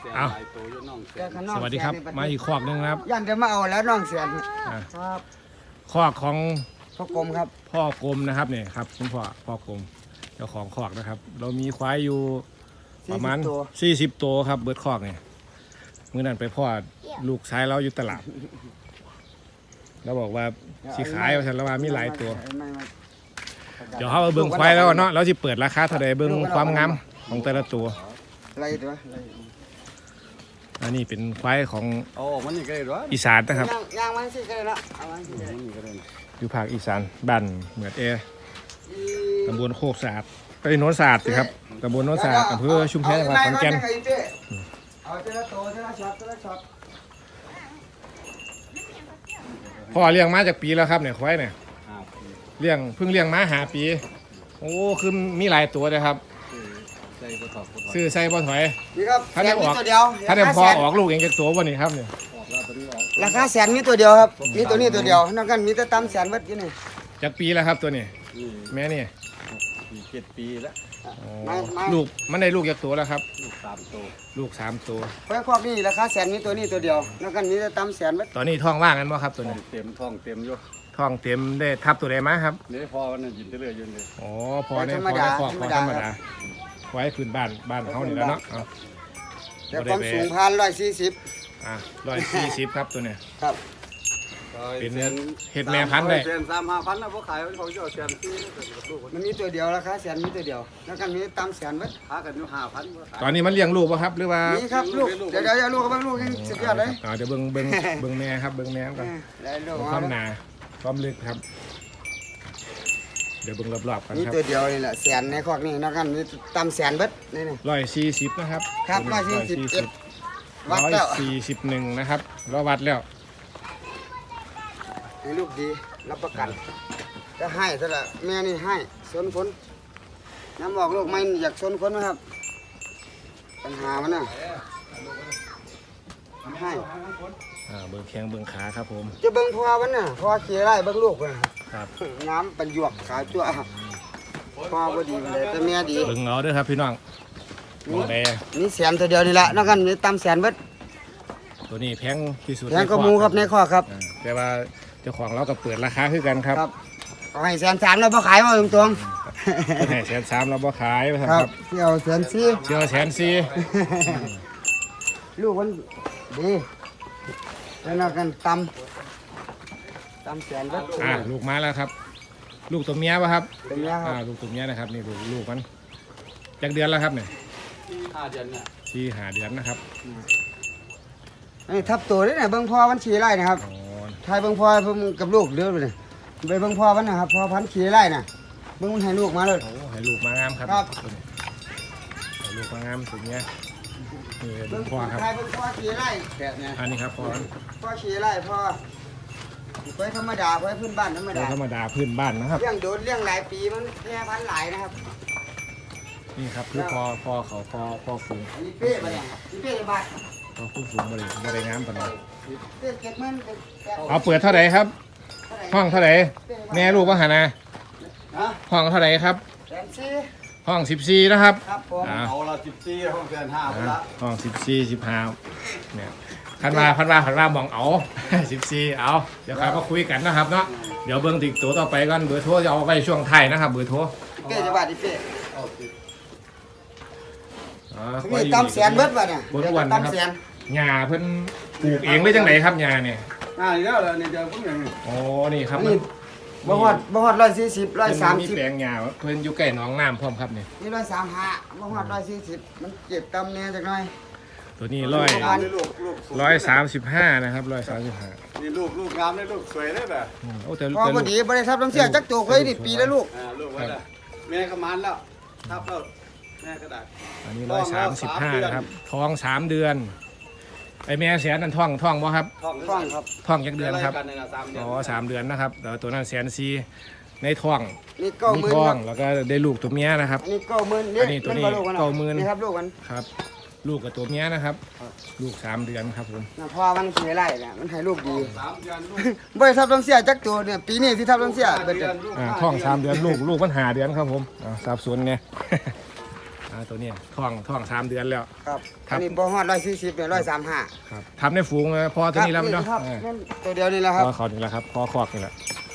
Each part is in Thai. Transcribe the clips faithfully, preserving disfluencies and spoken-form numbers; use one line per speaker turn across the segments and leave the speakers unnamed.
เอาสวัสดีครับมาอีกคอกนึงครับ
ยันจะมาเอาแล้วน้องเสียนครับ
คอกของ
พ่อกรมครับ
พ่อกรมนะครับเนี่ยครับคุณพ่อพ่อกรมเจ้าของคอกนะครับเรามีควายอยู่ประมาณสี่สิบตัวครับเบิร์ดคอกเนี่ยเมื่อนั้นไปพ่อลูกชายเราอยู่ตลาดเราบอกว่าสีขายฉันแล้วว่ามีหลายตัวเดี๋ยวเขาเบิ้งควายแล้วเนาะเราจะเปิดราคาเท่าไหร่เบิ้งความงามของแต่ละตัว
อะไรตัว
อันนี้เป็นควายของอีสานนะครับ
ย่างมันสิก็ได้ละ
อยู่ภาคอีสานบ้านเหมือดเอตำบลโคกสะอาดไปโนนสะอาดสิครับตำบลโนนสะอาดอำเภอชุมแพจังหวัดขอนแก่น
เอาเจละโตเจละช็อตเจละช็อต
พ่อเลี้ยงมาจากปีแล้วครับเนี่ยควายเนี่ยเลี้ยงเพิ่งเลี้ยงมาหาปีโอ้คือมีหลายตัวเลยครับซื้อใส่บ่ถอย
นี่ครับ
ถ้าได้ออกถ้าได้พอออกลูกเองจากตัววันนี้ครับเนี่ย
ราคาแสนมีตัวเดียวครับมีตัวนี้ตัวเดียวนอกกันมีแต่ตำแสนวัดอยู่นี่
จากปีแล้วครับตัวนี้แม่นี่
เจ็ดปีแล้ว
ลูกมันได้ลูกจากตัวแล้วครับ
ลูกสามตัว
ลูกสามตัว
ควายครอบนี่ราคาแสนมีตัวนี้ตัวเดียวนอกกันมีแต่ตำแสนวัด
ตอนนี้ท้องว่างกันบ่ครับตัวนี้
เต็มท้องเต็มอยู่
ท้องเต็มได้ทับตัวใดมาครับ
นี่พอมันยินเรื่อยๆอยู่เลย
อ๋อพอเนี่ยพอได้ครอบพอธรรมดาไว้พื้นบ้านบ้านเขานี่แล้วเนาะ
แต่ความสูงพันร้อยสี่สิบ
อ่ะร้อยสี่สิบครับตัวเนี้ย
ครับ
เป็นเห็ดแม่พันธุ์ได้
เซนสามห้าพันนะพวกขายเขาจะเอาแสนที่
มันมีตัวเดียวราคาแสนมีตัวเดียวแล้วกันมีตามแสนไว้
หากันอยู่ห้าพัน
ตอนนี้มันเลี้ยงลูกป่ะครับหรือว่า
นี่ครับลูกเดี๋ยวเดี๋ยวลูกกับเบิ้งลูกยังสุดยอดเลย
อ๋อเดี๋ยวเบิ้งเบิ้งเบิ้งแม่ครับเบิ้งแม่ก่อนความหนาความลึกครับเดี๋ยวเบิ้งรอบๆกันครับ
นี่ตัวเดียวนี่แหละแสนในคอกนี่แล้วกันมีตามแสนเบิดนี่นี่
ร้อยสี่สิบนะครับ
ครับร้อยสี่สิบเอ็ด
วัดแล้วสี่สิบหนึ่งนะครับเราวัดแล้ว
ให้ลูกดีรับประกันจะให้ซะละแม่นี่ให้สนคนน้ำบอกลูกไม่อยากสนคนนะครับปัญหามันน่ะให้
เบิ้งแข้งเบิ้งขาครับผม
จะเบิ้งพ่อมันน่ะพ่อเขี่ยไร่เบิ้งลูกมัน
ครับ
น้ำเป็นหยวกขาจั่วพ่อก็ดีเลยแต่แม่ดี
เบิ้งเอาด้วยครับพี่น้อง
นี่นี่แสนตัวเดียวนี่แหละนอกกันมีตำแสนเบิด
ตัวนี้แพงที่สุด
แพงกว่ามูครับในข้อครับ
แต่ว่าเจ้าของเราก็เปิดราคาคือกันครับ
เอาให้แสนสามเราบ่ขายมาตรงตรง
ให้แสนสามเราบ่ขาย
ครับเที่ยวแสนสี่
เที่ยวแสนสี่
ลูกมันดีแล้วนอกกันตำตำแสนเบิด
อ่าลูกมาแล้วครับลูกตัวเมียป่ะครับ
ตัวเมียครับ
ลูกตัวเมียนะครับนี่ลูกลูกมันจากเดือนแล้วครับเนี่ย
ห้าเดือนเนี่ย
สี่ห้าเดือนนะครับ
นี่ทับตัวนี่เนี่ยเบิ้งพ่อมันขี่ไร่นะครับทายเบิ้งพ่อเพิ่งกับลูกเดือดเลยไปเบิ้งพ่อมันนะครับพ่อพันขี่ไร่น่ะเบิ้งมันให้ลูกมาเลย
โอ้ให้ลูกมางามครับให้ลูกมางามสุดเนี้ยนี่เบิ้งพ่อครับ
ทายเบิ้งพ่อขี่ไร่แบบนี้
อันนี้ครับพ่อ
พ่อขี่ไร่พ่อไว้ธรรมดาไว้พื้นบ้านธรรมดา
ธรรมดาพื้นบ้านนะครับ
เลี้ยงโดนเลี้ยงหลายปีมันแค่พันหลายนะครับ
นี่ครับคือพ่อพ่อเขาพ่อพ่อฝูง
นี่เป๊ะมาเนี่ยนี่เป๊ะบาท
พ่อฝูงฝูงบริบริงามปานนั้น
เ
อาเปิดเท่าไหร่ครับห้องเท่าไหร่แม่ลูกว่าหานะห้องเท่าไหร่ครับห้องสิบสี่นะครับ
เอาละสิบสี่ห้องแสนห้า
ห้องสิบสี่สิบห้าเนี่ยพันมาพันมาพันมามองเอาสิบสี่เอาเดี๋ยวใครมาคุยกันนะครับเนาะเดี๋ยวเบิ้งติดตัวต่อไปกันเบอร์โทรจะเอาไว้ช่วงไทยนะครับเบอร์โทร
เป๊ะจะบาทดิเป๊ะนี่ตำแสนเบิดวะเนี่ย
บนวันนะครับหญ้าเพิ่นปลูกเองได้จังไหนครับหญ้าเนี่ย
อ่านี่แล้วนี่เดี๋ยวผมอย่างนี้
อ๋อนี่ครับ
นี่บ่ฮอดบ่ฮอดร้อยสี่สิบร้อยสามสิบ
แปลงหญ้าเพิ่นอยู่ใกล้หนองน้ำพร้อมครับนี่
นี่ร้อยสามห้าบ่ฮอดร้อยสี่สิบมันเจ็บตำเนี่ยจักหน่อย
ตัวนี้ร้อยร้อยสามสิบห้านะครับร้อยสามสิบห้า
นี่ลูกลูกงามเลยลูกสวยเลยแบบ
โอ้แต่
พอพอดีบริษัทน้ำเสียจักตัวเคยดิปีแล้วลูก
อ่าลูกไว้ละแม่ก็มันแล้วทับแล้วแม่ก็ได้
อันนี้ร้อยสามสิบห้านะครับท้องสามเดือนไอแม่แสนนั่นท้องท้องบ่ครับ
ท้องท้องครับ
ท้องยักเดือนครับอ๋อสามเดือนนะครับแต่ตัวนั้นแสนสี่ในท้อง
นี่เก้าหมื่น
ท้องแล้วก็ได้ลูกตัวเมียนะครับ
นี่เก้าหมื่น
อันนี้ตัวนี้เก้าหมื่น
นี่ครับลูกมัน
ครับลูกกับตัวเมียนะครับลูกสามเดือนครับผม
พอมันเสียไรเนี่ยมันให้ลูกดีบริษัทน้ำเสียจักตัวเนี่ยปีนี้ที่ทับน้ำเสียเป็น
ท้องสามเดือนลูกลูกมันหาเดือนครับผมสับสนเนี่ยอ่าตัวนี้ท้องท้องสามเดือนแล้ว
ครับ
ครั
อั
บ
นนี้บ่ฮอดร้อยสี่สิบเนี่ยร้อยสามห้า
ครับทำในฝูงนะพอตัวนี้แล้วมั้ยเนาะ
ครับ
เออ
นั่นตัวเดียวนี่แหละครับ
พอเขานี่แหละครับพอคอกนี่แหละ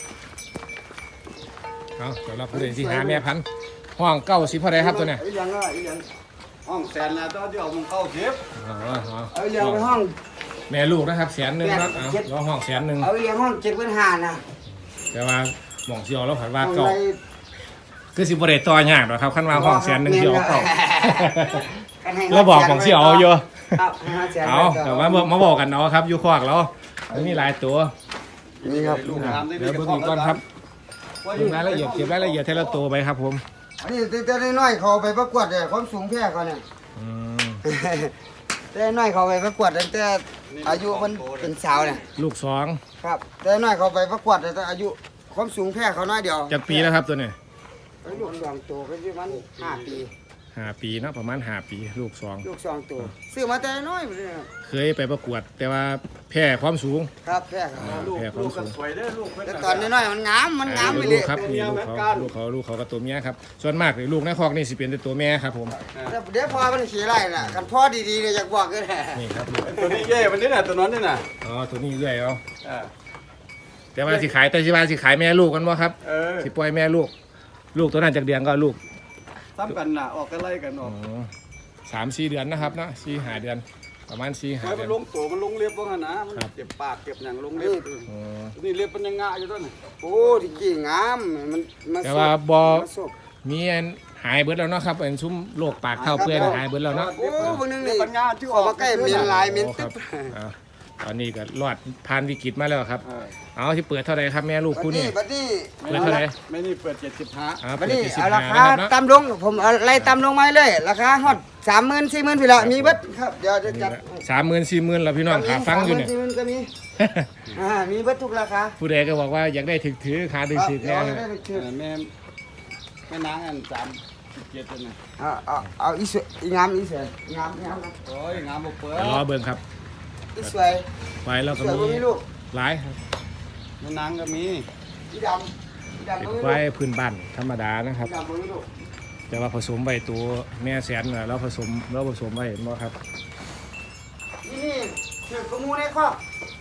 เอาสำหรับผู้เล่นที่หาแม่พันธุ์ห้องเก้าสิบเท่าไรครับตัวเนี้ย
ไอ้ยังอ่ะไอ้ยัง
ห้องแสนแล้วตอนที่เอามึงเข้าเจ็บ
อ๋ออ๋อ
เอาเลี้ยงไปห้อง
แม่ลูกนะครับแสนหนึ่งครับเอาล้อห้องแสนหนึ่ง
เอาเลี้ยงห้องเจ็ดพันห้านะ
แต่ว่าหม่องเสียวแล้วผัดว่า
ห้อง
เก่า
ไร
คือสิบริเตต่อยากหรอกครับขั้นว่าห้องแสนหนึ่งเสียวเก่า
กันให้
เราบอกของเสียวเอาอยู่
ครับห้าแสน
เอาแต่ว่ามาบอกกันเนาะครับอยู่คอกเรามันมีหลายตัว
นี่ครับ
ลูกน้ำได้
เดี๋ยวเบิ่งอีกก่อนครับเบิ่งรายละเอียดเก็บรายละเอียดเทละตัวไปครับผม
อันนี้แต่น้อยๆเขาไปประกวดเนี่ยความสูงแพ้เขาเนี่ย
อืม
แต่น้อยเขาไปประกวดตั้งแต่อายุมันเป็นสาวเนี่ย
ลูกสอง
ครับแต่น้อยเขาไปประกวดแต่อายุความสูงแพ้เขาน้อยเดียว
จากปีแล้วครับตัวนี้
ไอ้ลูกสองตัวก็ประมาณห้าปี
ห้าปีเนาะประมาณห้าปีลูกสอง
ลูกสองตัวซื้อมาแต่น้อยเลยครับ
เคยไปประกวด แต่ว่าแพ้ความสูง
ครับแพ้เขา
อ่า
ลูก
แพ้ควา
ลู
ม
กก็
สูง
สวยเด้อลูกเพิ่น
แต่
น่ะ
ตอนน้อยๆมันงามมันงามไปเล
ลู
ย
กครับนี่ลูกเขาลูกเขาลูกเขาลูกเขากับตัวเมียครับส่วนมากเลยลูกในคอกนี่สิเป็นแต่ตัวแม่ครับผม
แต่เดี๋ยวพอมันขี่ไล่น่ะกันพ่อดีๆเนี่ยอยากบอกกันแหละ
นี่ครับลูก
ตัวนี้เย่มันนี่น่ะตัวนั้นนี่น่ะ
อ๋อตัวนี้เรื่อยเอา
เออ
แต่ว่าสิขายแต่สิว่าสิขายแม่ลูกกันบ่ครับ
เออ
สิปล่อยแม่ลูก ลูกตัวนั้นจากเดือนก็ลูก
ซ้ำกันน่ะออกกันไล่กันอ
อ๋
อ
อก สามสี่เดือนนะครับเนาะสี่ห้าเดือน ประมาณสี่ห้า
ไว้
เดื
มั
อน น
ลงตัวมันลงเล็บว่างั้นนะมัน
ครับ
เจ็บปากเจ็บหยังลงเล็บ
อ๋อ
นี่เล็บมันยังงะอยู่ด้วยนี่
โอ้ที่กี่งามมันมัน
แต่ว่าบ่
มันสุก
มีอันหายเบิดแล้วเนาะครับอันซุ้มโรคปากเท่าเปื่อยน่ะหายเบิดแล้วเนาะ
โอ้พวกนึงนี่
เล็บมันงะที่
ออกมาใกล้เมียนลายเมียน
โอ้ค
ตึ๊
รับบ อ่าตอนนี้ก็รอดผ่านวิกฤตมาแล้วครับ
เออ
เอาที่เปิดเท่าไหร่ครับแม่ลูก
บัด
คู่นี้
นี้บัดนี้
เปิดเท่าไหร่
ไม่นี่เปิดเจ็ดสิบห้า
อ่า
บั
เปิ
ด
ด
นี้
ที่สิบ
เอารา
ห้า
คา
นะครับเนาะ
ต่ำลงผมเอาไล่ต่ำลงมาเลยราคาฮอดสามหมื่นสี่หมื่นพี่ละมีเบิดครับเดี๋ยวจะจัด
สามหมื่นสี่หมื่นแล้วพี่น้องขาฟังอยู่เนี่ย
สามหมื่สี่หมื่นก็มีอ่ามีเบิดทุกราคา
ผู้ใดก็บอกว่าอยากได้ถึกถือขาดึงถือ
เดี๋ย
แน่
วได้ไปชื่อ
แม่แม่นางอันสามสิบเจ็ดตัวน่ะ
เอาเอาเอาอีสวยอีงามอีสวยอีงามอีงามนะ
โอ้ยงามบ่เปิด
รอเบิ่งครับ
อีสวย
ไว้แล้ว
ส
ก็
วยบ่
มี
มีลูก
หลายครับ
แม่นางก็มี
อีดำอีดำ
เป็น
บ่มีลูก
ไว้พื้นบ้านธรรมดานะครับ
อีดำบ่มีลูก
แต่ว่าผสมไว้ตัวแม่แสนน่ะแล้วผสมแล้วผสมไว้เห็นบ่ครับ
นี่นี่ถือกระมูในครอบ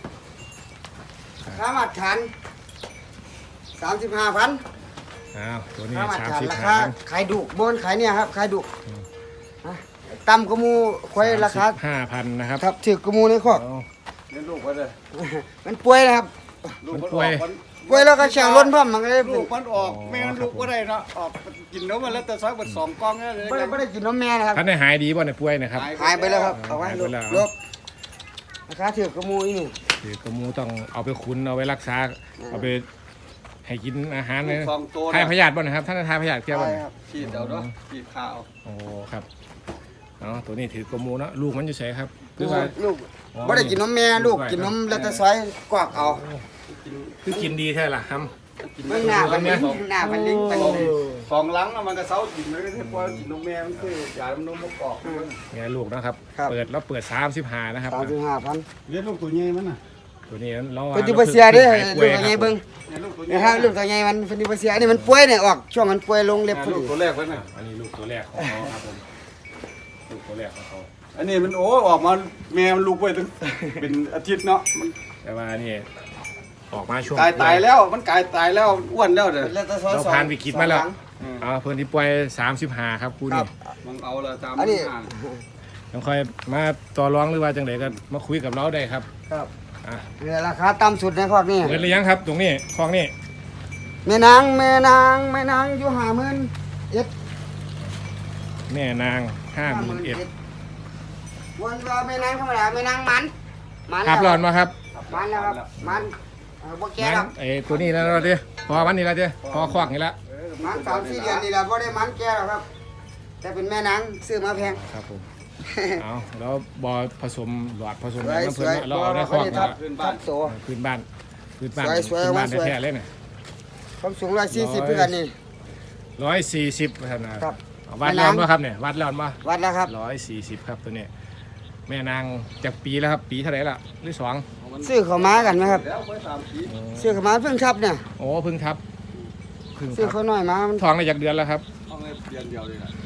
ค่ามาตรฐานสามสิบห้าพัน
อ้าวตัวนี้
ค่ามาตร
สาม
ฐาน
สิบ
รา
ห้า
คาขายดุบนขายเนี่ยครับขายดุฮะต่ำกระมูควายราคา
ห้าพันนะครับ
ครับถือกระมูในครอบ
เอา
เลี้ยงลูกไว้เลย
มันป่วยนะครับ
ลูก
มัน
มัน
ป่
อ
วย
อกมัน
ป่วยแล้วก็แช่งล้นพร้อมมันก็เลย
ลูกมันออกแม่งั้นลูกก็ได้เนาะออกกินนมมันแล้วแต่ซอยเบิดสองกล่องเนี่ยเลย
ไม่ได้ไม่ได้กินนมแม่นะครับ
ท่านได้หายดีบ่เนี่ยป่วยเนะครับ
หายไปแล้วครับเอาไว้
หาย
ล
ไป
บ
แล้ว
ลบราคาถือกระมูอีนี่
คือกระมูต้องเอาไปคุ้นเอาไว้รักษาเอาไปให้กินอาหารเลย
สองตัว
ทายพยาธิบ่นะครับท่านได้ทายพยาธิเกี่ยวบ่
ใช่
เนี่ย
ครับฉีดเอาเนาะฉีดข้าว
โอ้ครับเนาะตัวนี้ถือกระมูเนาะลูกมันอยู่ไสครับคือว่า
ลูก
อ๋อ
ไม่ได้กินนมแม่ลูกกินนมแล้วแต่ซอยกวากเอา
คือกินดีแท้ล่ะครับ
ไม่หน้ามันลิงหน้ามันลิงมันลิง
สองหลังน่ะมันก็เซากินเลยที่พอกินนมแม่มันคือยามันนมมันกอก
เนี่ยลูกนะครับ
ครับ
เปิดแล้วเปิดสามสิบห้านะครับ
สามสิบห้าพัน
เลี้ยงลูกตัวใหญ่มันน่ะ
ตัวนี้เรา
เป็นดิบเสียเด้อ
ลู
ลูกตัวใหญ่เบิ่ง
เนี่ยลูกตัวใหญ่
นะครับลูกตัวใหญ่มันเป็นดิบเสียนี่มันป่วยเนี่ยออกช่วงมันป่วยลงเล็บพอ
ลู
ดี
กตัวแรกไว้น่ะ
อันนี้ลูกตัวแรกของเขาครับผมลูกตัวแรกของเขา
อันนี้มันโอ้ออกมาแม่มันลูกไว้ถึงเป็นอาทิตย์เนาะมัน
แต่ว่านี่ออกมาช่วง
กายตายแล้วมันกายตายแล้วอ้วนแล้วเด้อ
แล้วแต่ซอย
เรา
สอง
ผ่านวิกฤตมาแล้ว
สอง
อ่าเพิ่นที่ป่วยสามสิบห้าครับคู่
ครั
นี้
บ
มันเอาละตาม
อันนี้
ทาง
ต้องคอยมาต่อรองหรือว่าจังไดก็มาคุยกับเราได้ครับ
ครับ
อ่ะ
เนี่ยราคาต่ำสุดในครอบนี่
เปิดหรือยังครับ ตรงนี้คลองนี้
แม่นางแม่นางแม่นางอยู่ห้าหมื่นเอ็ด
แม่นางห้าหมื่นเอ็ด
วันว่าแม่นางธรรมดาแม่นางมันมัน
ครับร้อนมาครับ
มันแล้วครับมันเออบ่แก่หรอก
ไอ้ตัวนี้แล้วเราเด้พอวันนี้แล้วเด้พอควักนี่ละ
มันสามสี่เดือนนี่แหละบ่ได้มันแก่หรอกครับ แต่เป็นแม่นางซื้อมาแพง
ครับผมเอาแล้วบอผสมหลอดผสม
สวย
น้ำ
ส
เพิ่น
วย
เราเอาได้ควัก
บ่
นี่
ทับ
ละ
ทับโต
พื้นบ้านพื้นบ้าน
สวยสวย
พื้นบ้าน
สวย
แท้ๆเลยน่ะ
ความสูงร้อยสี่สิบเพื่อนนี่
ร้อยสี่สิบครับนะครับ เอาวัดแล้วมาครับเนี่ยวัดแล้วมา
วัดแล้วครับ
ร้อยสี่สิบครับตัวนี้แม่นางจากปีแล้วครับปีเท่าไหร่ละหรือสอง
ซื้อเขามากันไหมครับ
แล้วไปสามปี
ซื้อเขามาเพิ่งทับเนี่ย
โอ้เพึ่งทับเพึ่ง
ซื้อ
ทับ
เขาน้อยมามัน
ท้องได้จากเดือนแล้วครับ
ห้องในเดือนเดียวเลยนะ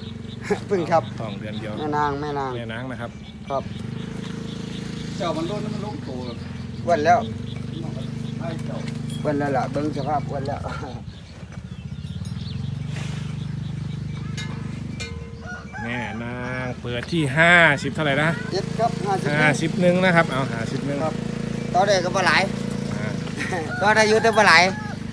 เพึ่งครับ
ท้องเดือนเดียว
แม่นางแม่นาง
แม่นางนะครับ
ครับ
เจ้ามันล้นมันล้มโต
อ้วนแล้ว
ให้เจ้า
อ้วนแล้วล่ะเบิ่งสภาพอ้วนแล้ว
แม่นางเปิดที่ห้าสิบเท่าไหร่นะ
เจ็ดครับห้าสิบ
ห้าสิบหนึ่งนะครับเอาห้าสิบหนึ่ง
ครับต่อได้ก็บ่หลาย
อ่า
ต่อได้อยู่แต่บ่หลาย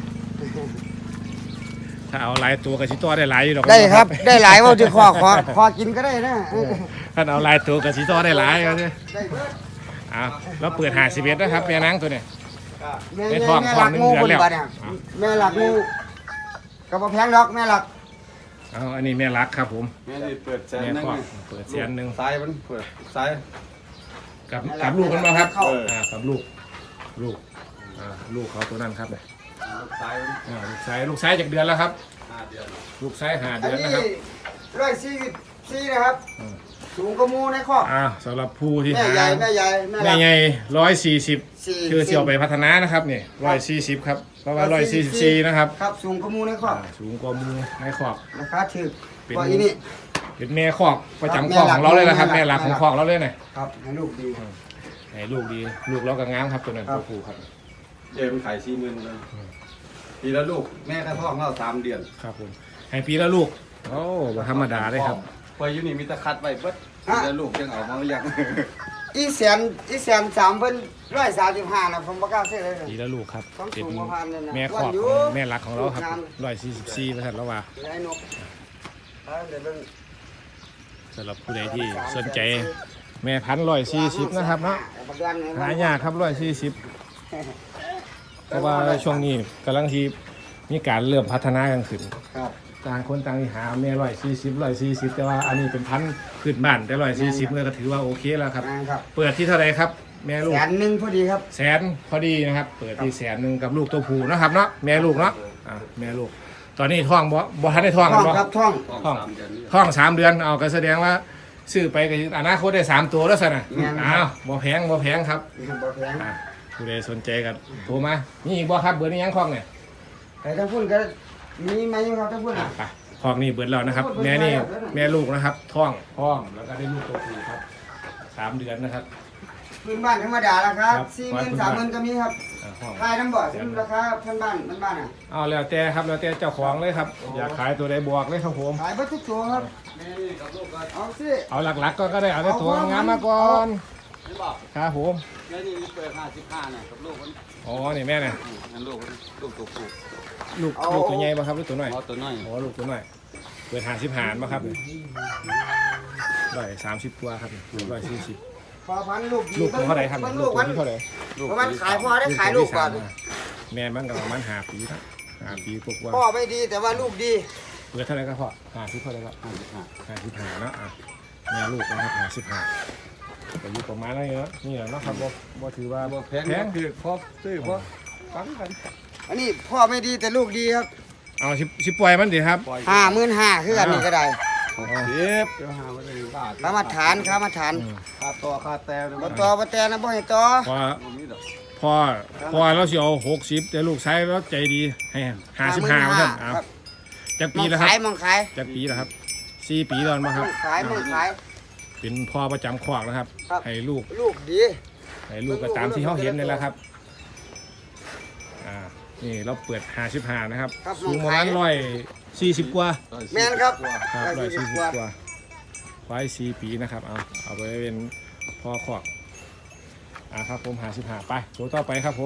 ถ้าเอาหลายตัวกับชิโต้ได้หลายอยู่หรอก
ได้ครับ ได้หลายว่าจะขอขอขอกินก็ได้นะ
ถ้าเอาหลายตัวกับชิโต้ได้หลายก็เนี่ย
ได้เบิด
เอาแล้วเปิดห้าสิบเอ็ดนะครับแม่นางตัวเนี่ย
แม่
ได้
แม่
ท้อง
แม่
ท้
ห
อ
ลั
ง
ก
หนึ่ง
งู
เดือน
คน
แล้ว
บัดเนี่ยแม่หลักงูก็บ่แพงดอกแม่หลัก
เอาอันนี้แม่รักครับผม
แม่นี่เปิดแสน
แม่
นึง
คอกเปิดแสนหนึ่ง
ซ้ายมันเปิดซ้าย
กับกับลูกกันมาครับ
เออ
อ่ากับลูกลูกอ่าลูกเขาตัวนั้นครับเนี่ย
ซ้ายมัน
อ่าลูกชายลูกชายจากเดือนแล้วครับ
ห้าเดือน
ลูกชายหา
อัน
เดือน
นี้
นะครับ
ร้อยสี่สิบสี่นะครับ
อืม
สูงกว่าหมูในครอบ
อ่าสำหรับผู้ที่
แม่
หา
ใหญ่แม่ใหญ่แม่ห
แม่
ลัก
ใหญ่ร้อยสี่สิบ
สี่
คือเสี่ยวไปพัฒนานะครับเนี่ยร้อยสี่สิบครับเพราะว่าร้อยสี่สิบสี่นะครับ
ครับสูงกว่าหมูในครอบ
อ่าสูงกว่ามือในขอบ
ราคาถูก
เป็น
กว่าอีนี่
เป็นแม่คอกประจำคอกของเราเลยนะครับ
แม่
แม่ห
หลั
ลัก
ก
ของคอกเราเลยเนี่ย
ครับให้ลูกดี
ให้ลูกดีลูกเราก็งามครับตัวนั้น
ครับ
ตัวผู้ครับ
เดี๋ยวมันขายสี่หมื่นเลยปีละลูกแม่กระท้องเราสามเดือน
ครับผมให้ปีละลูกโอ้บ่ธรรมดาเลยครับ
พออยู่นี่มีแตะคัดไว้เบิดปีละลูกยังเอามายัง
อีแสนอีแสนสามเพิ่นร้อยสามสิบห้านะผมบ่กล้าซื้อเลย
ปีละลูกครับ
ต้อง
เป็น
สูงกว่าพันเลยนะ
แม่คอก
ว่าอยู่
ของแม่หลักของเราครับ
ลูกงาม
ร้อยสี่สิบสี่เปอร์เซ็นต์แล้วว่า
ไอ้นกเอาเดี๋ยวเบิ่ง
สำหรับผู้ใดที่สนใจแม่พันร้อยสี่สิบนะครับเนาะ
ประกันให้
หายากครับร้อยสี่สิบเพราะว่าช่วงนี้กำลังที่มีการเริ่มพัฒนากันขึ้น
ครับ
ต่างคนต่างหาแม่ร้อยสี่สิบร้อยสี่สิบแต่ว่าอันนี้เป็นพันธุ์พื้นบ้านแต่ร้อยสี่สิบก็ถือว่าโอเคแล้วครับ
ครับ
เปิดที่เท่าไหรครับ แม่ลูก
แสนหนึ่งพอดีครับ
แสนพอดีนะครับ เปิดที่แสนหนึ่งกับลูกตัวผู้นะครับเนาะแม่ลูกเนาะอ่ะแม่ลูก ตอนนี้ท้องบ่บ่ทันได้ท้อง
ท่
กั
อน ง
บ่
ครับท่อง
ท้องสามเดือนนี่
ท้องสามเดือนเอาก็แสดงว่าซื้อไปก็อนาคตได้สามตัวแล้วสินะอ้าวบ่แพงบ่แพงครับ
บ่แพง
อ่ะผู้ใดสนใจกันโทรมานี่อีกบ่ครับเบอร์นี้ยังคล้องเนี่ย
แต่ทั้งพุ่นก็มีไหมอยู่ครับทั้งพุ่น
อ่ะ
อ่ะ
ไปคล้องนี่เบิดแล้วนะครับ แม่นี่แม่ลูกนะครับท้องท้องแล้วก็ได้ลูกตัวผู้ครับสามเดือนนะครับ
พื้นบ้านธรรมดาราคา
ครับ
สี่หมื่นสามหมื่นก็มีครับ
อ่ะท้อง
ขายน้ำบ่อซึ่งราคาพื้นบ้านพื้นบ้านอ่ะ
เอาแล้วแต่ครับแล้วแต่เจ้าของเลยครับ อยากขายตัวใดบวกเลยครับผม
ขายเบัตทุกตัวครับ
แม่นี่กับลูกก็
เอาสิ
เอาหลักๆก็ก็ได้เอาแต่ตัวงามมาก่อน
ไม่บอก
ครับผม
แม่นี่เปิดห้าสิบห้าเนี่ยกับลูกมัน
อ๋อนี่แม่เนี่ย
นั่นลูกมันลูกตัวผู้
ลูกลูกตัวใหญ่ป่ะครับหรือตัวน้อย
เอาตัวน้อย
อ๋อลูกตัวน้อยเปิดหาสิบหารป่ะครับร้อยสามสิบกว่าครับร้อยสี่สิบ
พอพันลูกดี
ลูกตัวเท่าไหร่ครับ
มัน
ลู
ลู
ก
ก
ตัว
มัน
ที่เท่าไหร่
เพราะมันขายพอได้ขายลูกก่อน
แม่มันก็ประมาณหาปีนะหาปีกว่า
พ่อไม่ดีแต่ว่าลูกดี
เปิดเท่าไหร่ก็พอหาสิบเท่าไหร่ก็
ห้าสิบห้า
หาสิบหาเนาะอ่ะแม่ลูกนะครับหาสิบหาก็อยู่ประมาณนั้นเนาะนี่แหละเนาะครับบ่บ่ถือว่า
บ่แพง
แพง
คือพอซื้อพอฟังกัน
อันนี้พ่อไม่ดีแต่ลูกดีครับ
เอาสิสิปล่อยมันดิครับ
ปล่อย
ห้าหมื่นห้าคืออันนี้ก็ได้
หกสิบเดี๋ยวหาไว้เลยบาท
ค่ามาฐานค่ามาฐาน
อืม
ค่าต่อค่าแต่เนี่ย
บ่
มัน
ต่อบ่แต่นะบ่ให้ต่อ
พอ
บ่มีดอก
พอพอเราสิเอาหกสิบแต่ลูกชายเราใจดีให้ห้าสิบห้าเท่านั้นเอา
ครับ
จาก
ม
ปี
อง
แล้วครั
ขาย
บ
มองขาย
จากปีแล้วครับสี่ปีแล้วมั้ง
ม
ครั
อบ งขายมองขาย
เป็นพ่อประจำคอกนะครับ
ครับ
ให้ลูก
ลูกดี
ให้ลูกก็ตามที่เขาเห็นนี่แหละครับอ่านี่เราเปิดห้าสิบห้านะครับ
ครับ
สูงประมาณร้อยสี่สิบกว่า
แม่นครับ
ครับร้อยสี่สิบ
กว่า
กว่าควายสี่ปีนะครับเอาเอาไปเป็นพ่อคอกอ่าครับผมห้าสิบห้าไปตัวต่อไปครับผม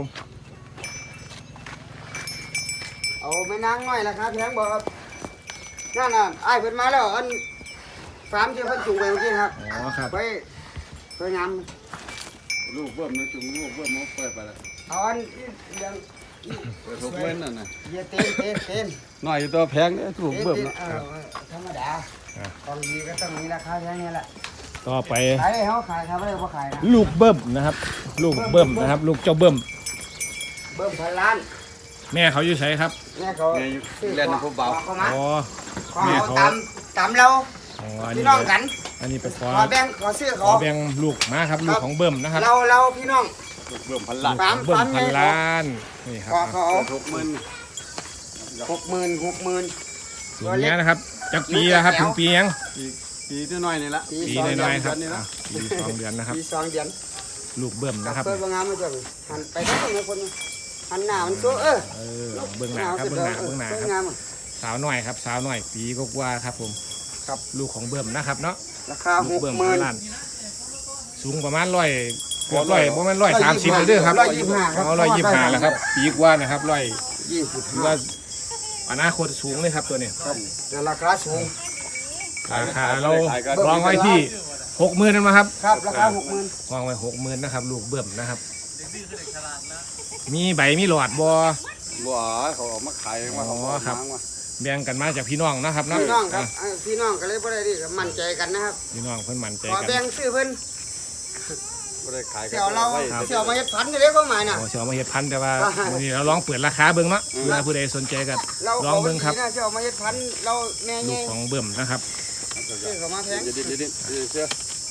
เอาไม่นางน้อยราคาแพงบ่ครับนั่นน่ะอ้ายเพิ่นมาแล้วอันฟาร์มที่เพิ่นจูงไปเมื่อกี้นะครับ
อ๋อครับ
ไปไปงาม
ลูกเบิ่มนะจุงลูกเบิ่มมันเปิดไปแล้ว
เอาอันอีเรื่อง
เปิดทุกเว้นนั่นน่ะ
เยเต้นเต้นเต้น
น้อยอยู่ตัวแพงเนี่ยถูก
เต้น
เบิ่ม
เต้น
นะ
เออธรรมดาของดีก็ต้องมีราคาแพงนี่แหละ
ต่อไป
ขายให้เขาขายครับไม่ได้บ่ขายนะ
ลูกเบิ้มนะครับ ลูกเบิ้มนะครับ ลูกเจ้าเบิ้ม
เบิ่มพันล้าน
แม่เขาอยู่ไสครับ
แม่เขา
แม่อยู่เล่นในพวกเบา
เขามา
อ๋อ
ขอ
แม่
เขา
เขา
ตามตามเรา
อ๋ออัน
พี่
นี้
น้องกัน
อันนี้เป็นขอ
ขอแบ่งขอซื้อ
ข
เขา
อแบ่งลูกมาครับลูกของเบิ้มนะครับ
เราเราพี่น้อง
ลูกเบิ่มพันล้าน
สาม
เบิ้ม
สาม
พัน
แม่
ล้านนี่ครับ
ขอเขา
เปิดหกหมื่น
หกหมื่นหกหมื่น
สูงเนี้ยนะครับจักปีแล้วครับถึงปียัง
ปีปีที่น้อยนี่ละ
ปี
ปี
สอง
น้
เดื
อ
อย น
ๆครับอ่ะปีสองเดือนนะครับ
ปีสองเดือน
ลูกเบิ่มนะครับ
เปิดบางงามมาจังหันไปทั้งคนคนหันหน้ามันสู้เออ
เออเบื้องหน้าครับเบื้องหน้าเบื้องหน้าครับ
งาม
สาวหน่อยครับสาวหน่อยปีก็กว่าครับผม
ครับ
ลูกของเบิ่มนะครับเนาะ
ราคา
ลู
ห
ก
ก
เบิ่ม
หมื่
พั
น
นล้านสูงประมาณร้อยเกือบร้อยประมาณร้อยสามสิบเลยเด้อครับ
ร้อยยี่สิบห้าครับ
เอาร้อยยี่สิบห้าแล้วครับปีกว่านะครับร้อย
ยี่สิบ
ถือ
ห้า
ว่าอนาคตสูงเลยครับตัวนี้
ครับแต่ราคาสูง
ราคาเราวางไว้ที่หกหมื่นนั่นมาครับ
ครับราคาหกหมื่น
วางไว้หกหมื่นนะครับ ลูกเบิ่มนะครับ มีใบมีหลอดบอ
บัวเขาออกมาขายว่าเขา
อ๋อครับ
มา
แบ่งกันมาจากพี่น้องนะครับเนาะ
พี่น้องครับ
อ่ะ
เอ้ยพี่น้องก็เลยบ่ได้ดีก็มั่นใจกันนะครับ
พี่น้องเพิ่นมั่นใจ
ขอ
กัน
แบ่งซื้อเพิ่น
ไม่ได้ขาย
เสี่ยวเรา
ไว้
เสี่ยวมาเฮ็ดพันธุ์อยู่เด้เข้ามาน่ะ
โอ้เชียวมาเฮ็ดพันธุ์แต่ว่าวันนี้เราลองเปิดราคาเบิ่งเนาะเพื่อผู้ใดสนใจกัน
เรา
ลองเบิ่งครับ
ขาดีนะเสี่ยวมาเฮ็ดพันธุ์เราแม่
ลู
ใหญ่
กของเบิ่มนะครับ
ซื้อเข้ามาแพง
เดี๋ยวเดี๋ยวเดี๋ยวเดี๋ยวเสื้อ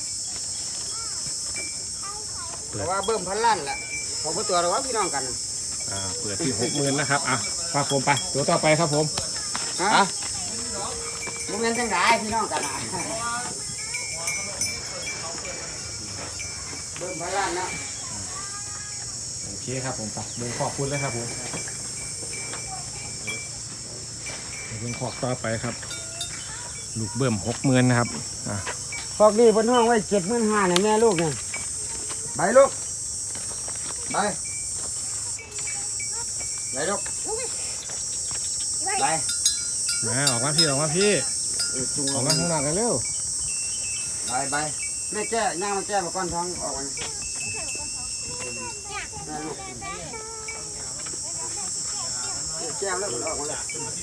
เพราะว่าเบิ่มพันล้านล่ะเขาบ่ตัวเราว่าพี่น้องกัน
อ่าเปิดที่หกหมื่นนะครับอ่ะฝากผมไปตัวต่อไปครับผม
ฮะบ่แม่นจังได๋พี่น้องกันน่ะเบิ่มพันล้านนะ
โอเคครับผมไปเบิ่งขอบคุณเลยครับผมเบิ่งขอบต่อไปครับ ลูกเบิ่มหกหมื่นนะครับอ่ะ
พอกนี้เพิ่นห้องไว้เจ็ดหมื่นห้าเนี่ยแม่ลูกเนี่ยไปลูกไปไปลูกไป
มาออกมาพี่ออกมาพี่
เออจุง
ออกมาข้างนอกกันเร็ว
ไปไปแม่แก้ย่างมาแก้มาก้อนท้องออกมาแม่ลูกแก้แล้วมันออกมาเลย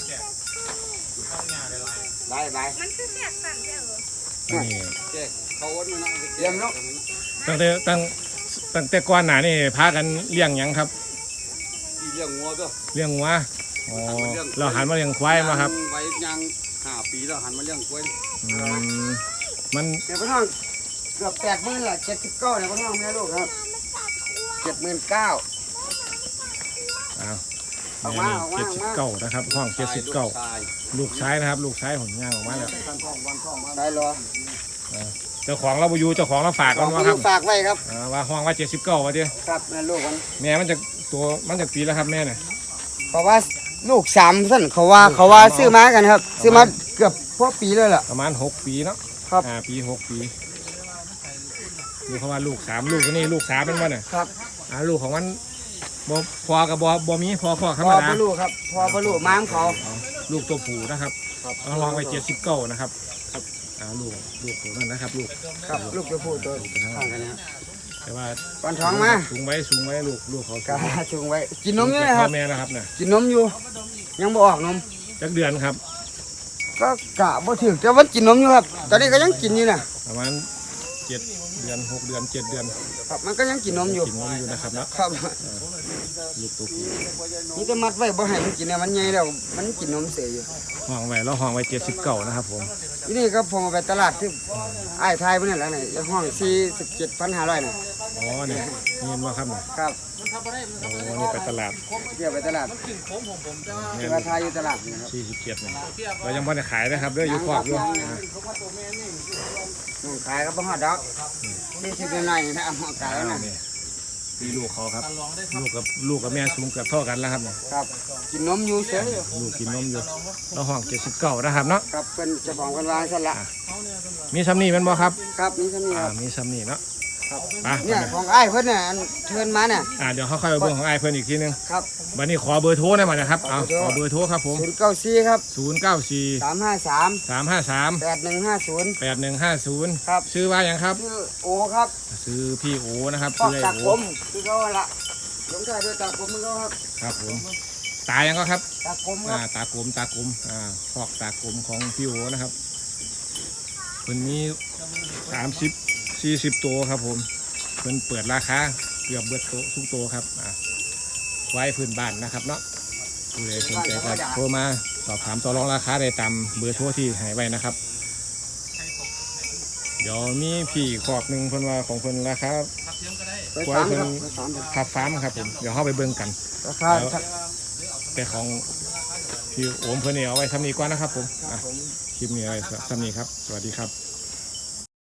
ไปไป
มันคือแสกสั่นเด้อ
นี่
แจกเขาอ้นนะ
เยี่ยมลูก
ตั้งแต่ตั้งตั้งแต่ก่อนหน้านี่พากันเลี้ยงหยังครับ
ที่เลี้ยงงัวก็
เลี้ยงวัวอ๋อเราหันมาเลี้ยงควายมาครับ
ไว้ยังห้าปีแล้วหันมาเลี้ยงกล้วย
อืมมัน
เดี๋ยวพ่อน้องเกือบแปดหมื่นละเจ็ดสิบเก้าเนี่ยพ่อน้องแม่ลูกครับเจ็ดหมื่นเก้า
อ้าว
ออกมาออกมา
เจ็ดสิบเก้านะครับห้องเจ็ดสิบเก้า
ชาย
ลูกซ้ายนะครับ ลูกซ้ายหนย่างออกมาแล้ว
วันท่องวันท่องมา
ได้รอ
เจ้าของเราบอยู่เจ้าของเราฝาก
ข
กั
อน
ว่าครับ
ฝากไว้ครับ
อ่าว่าห้องว่าเจ็ดสิบเก้าว่าเดียว
ครับแม่ลูกมัน
แม่มันจะตัวมันจะปีแล้วครับแม่เนี่ย
เพราะว่าลูกสามสั้นเขาว่าเขาว่าซื้อมากันครับ ซื้อมาเกือบพวกปีเลยล่ะ
ประมาณหกปีเนาะ
ครับ
อ่าปีหกปีดูเขาว่าลูกสามลูกตัวนี้ลูกสามเป็นว่าเนี่ย
ครับ
อ่าลูกของมันบ่พอกับบอบอมีพอพอธร
พ
รม
อ
ดา
ปลูกครับพอปลูกม้ามเขา
อ๋อลูกตัวผู้นะครับ
ครับ
เอาลองไปเจ็ดสิบเก้านะครับอ่าลูกลูกตัวนั้นนะครับ ลูก
ครับลูกตัวผู้ตัวข้างกันนะครับ
แต่ว่า
ก่อนท้องมา
สูงไว้สูงไว้ลูกลูกเขา
กาจุงไว้กินนมอยู่นะครับ
พ่อแม่นะครับเนี่ย
กินนมอยู่ ยังบ่ออกนม
จักเดือนครับ
ก็กะบ่ถึงแต่ว่ากินนมอยู่ครับ ตอนนี้ก็ยังกินอยู่นะ
ประมาณเจ็ดเดือนหกเดือนเจ็ดเดือน
ครับมันก็ยังกินนมอยู่
กินนมอยู่นะครับเนาะ
ครับ
ลูกตัวผู้
นี่จะมัดไว้บ่ให้มันกินเนี่ยมันใหญ่แล้วมันกินนมเสียอยู่
ห้องไว้แล้วห้องไว้เจ็ดสิบเก้านะครับผม
ทีนี่ก็ผมเอาไปตลาดที่ไอ้ายไทยเพิ่นนั่นแหละนี่ห้องสี่สิบเจ็ดพันห้าร้อยน่ะ
อ๋อเนี่ยนี่เห็นว่าครับเนี่ย
ครับ
โอ้นี่ไปตลาด
เที่ยวไปตลาด
เนี่
เที่
ย
ยวไทยอยู่ตลาดนี่ครับ
สี่สิบเจ็ดเนี่ยเรายังไม่ได้ขายนะครับเด้ออยู่คอกอยู่อ่า
น้องขายก็บ่ฮอดดอกนี่สิเป็นหน่อยนะเอามาขาย
อ้าว
นะ
นี่มีลูกเขาครับ ลูกกับลูกกับแม่สูงเกือบเท่ากันแล้วครับเนี่ย
ครับกินนมอยู่เฉยอยู่
ลูกกินนมอยู่แล้วห้องเจ็ดสิบเก้านะครับเนาะ
ครับเพิ่นเจ้าของเพิ่นวางซั่นละ
มีซ้ำนี่แมันบ่ครับ
ครับนี่ซั่นนี่
อ่า
ครับ
มีซ้ำนี่เนาะ
ครับ
ไป
เนี่ยของอ้ายเพิ่นน่ะอันเชิญมาเนี่ย
อ่าเดี๋ยวเขาค่อยไปเบอร์ของไอ้ายเพิ่นอีกทีนึง
ครับ
วันนี้ขอเบอร์โทรหน่อยมานะครับเอาขอเบอร์โทรครับผม
ศูนย์เก้าสี่ครับ
ศูนย์เก้าสี่
สามห้าสาม
สามห้าสาม
แปดหนึ่งห้าศูนย์
แปดหนึ่งห้าศูนย์
ครับ
ชื่อว่าอย่างครับ
ชื่อโอครับ
ชื่อพี่โอนะครับ
พ่อ
ชื่อไอ้
ตา
โอ
คมคือเขาละลงท้ายด้วยตาคมมือเขาครับ
ครับผมตายังก็ครับ
ตาคมค
อ่า
รับ
ตากลมตากลมอ่าพอกตากลมของพี่โอนะครับเพิ่นมีสามสิบสี่สิบตัวครับผมเพิ่นเปิดราคาเกือบเบิดโตทุกตัวครับอ่าไว้พื้นบ้านนะครับเนาะผู้ใดสนใจก็โทรมาสอบถามต่อรองราคาได้ตามเบอร์โทรที่ให้ไว้นะครับ เดี๋ยวมีพี่ขอบหนึ่งเพิ่นว่าของเพิ่นราคา
ไปสามครับไปสาม
ขับฟาร์มครับผมเดี๋ยวเข้าไปเบิ่งกัน
ราคา
แต่ของพี่โอมเพิ่นนี่เอาไว้ทำนี้ก่อนนะครับผมอ่ะ
ผม
คลิปนี้อะไรสำหรับนี้ครับ สวัสดีครับ